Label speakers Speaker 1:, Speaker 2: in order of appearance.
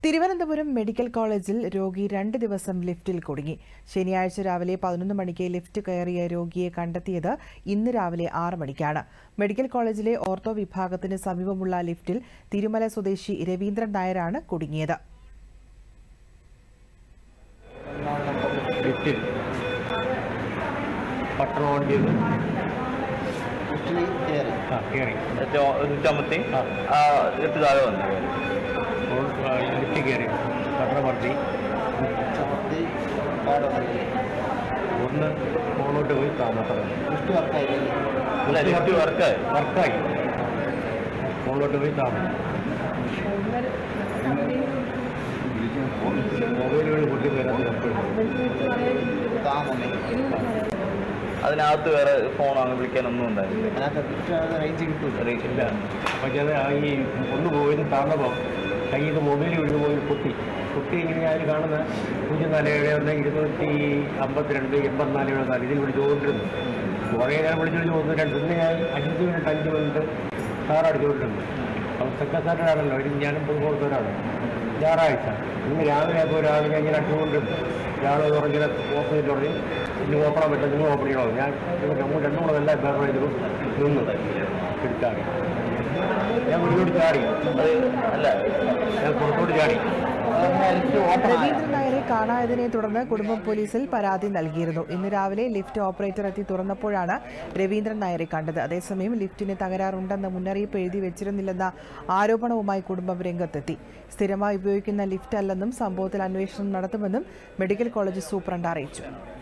Speaker 1: Thiruvananthapuram medical കോളേജിൽ രോഗി 2 ദിവസം ലിഫ്റ്റിൽ കുടുങ്ങി. ശനിയാഴ്ച രാവിലെ 11 മണിക്ക് ലിഫ്റ്റ് കയറിയ രോഗിയെ കണ്ടെത്തിയത് ഇന്ന് രാവിലെ 6 മണിക്കാണ്. മെഡിക്കൽ കോളേജിലെ ഓർത്തോ വിഭാഗത്തിന് സമീപമുള്ള ലിഫ്റ്റിൽ തിരുമല സ്വദേശി രവീന്ദ്രൻ നായരാണ് കുടുങ്ങിയത്.
Speaker 2: ലിഫ്റ്റ് കയറി പട്ടണമർത്തി ഒന്ന് മുകളിലോട്ട് പോയി താമസം വർക്കായി മുകളിലോട്ട് പോയി താമസം മൊബൈലുകൾ പൊട്ടി
Speaker 3: അതിനകത്ത് വേറെ ഫോൺ അങ്ങനെ വിളിക്കാനൊന്നും ഉണ്ടായില്ല.
Speaker 2: റേഞ്ച് കിട്ടില്ല. പക്ഷേ അത് ഈ ഒന്ന് പോയത് താഴ്ന്നപ്പോൾ കയ്യിൽ നിന്ന് മൊബൈൽ വീഴുന്ന പോയി കുട്ടി ഇങ്ങനെ ഞാൻ കാണുന്ന 0471 252 84 ഇതിൽ വിളിച്ചുകൊണ്ടിരുന്നു. കുറേ നേരം വിളിച്ചുകൊണ്ട് പിന്നെ ഞാൻ 5 മിനിറ്റ് സാർ അടിച്ചുകൊണ്ടിരുന്നു. അപ്പോൾ സെക്രട്ടറിയാണല്ലോ ഞാനും പൊതുപ്രവർത്തകരാണ്. ഞായറാഴ്ച ഇന്ന് രാവിലെ അപ്പോൾ രാവിലെ ഇങ്ങനെ അടിച്ചുകൊണ്ടിരുന്നു. ഇയാൾ പറഞ്ഞിങ്ങനെ ഓപ്പൺ ചെയ്ത് തുടങ്ങി ഇനി ഓപ്പണാൻ പറ്റില്ല, നിങ്ങൾ ഓപ്പൺ ചെയ്യണോ? ഞാൻ രണ്ടും കൂടെ എല്ലാ പേപ്പർ ചെയ്തു നിന്ന് എടുത്താടി ഞാൻ മുന്നോട്ട് ചാടി അല്ല ഞാൻ പുറത്തോട്ട് ചാടി.
Speaker 1: രവീന്ദ്രൻ നായരെ കാണായതിനെ തുടർന്ന് കുടുംബം പോലീസിൽ പരാതി നൽകിയിരുന്നു. ഇന്ന് രാവിലെ ലിഫ്റ്റ് ഓപ്പറേറ്റർ എത്തി തുറന്നപ്പോഴാണ് രവീന്ദ്രൻ നായരെ കണ്ടത്. അതേസമയം ലിഫ്റ്റിന് തകരാറുണ്ടെന്ന മുന്നറിയിപ്പ് എഴുതി വെച്ചിരുന്നില്ലെന്ന ആരോപണവുമായി കുടുംബം രംഗത്തെത്തി. സ്ഥിരമായി ഉപയോഗിക്കുന്ന ലിഫ്റ്റ് അല്ലെന്നും സംഭവത്തിൽ അന്വേഷണം നടത്തുമെന്നും മെഡിക്കൽ കോളേജ് സൂപ്രണ്ട് അറിയിച്ചു.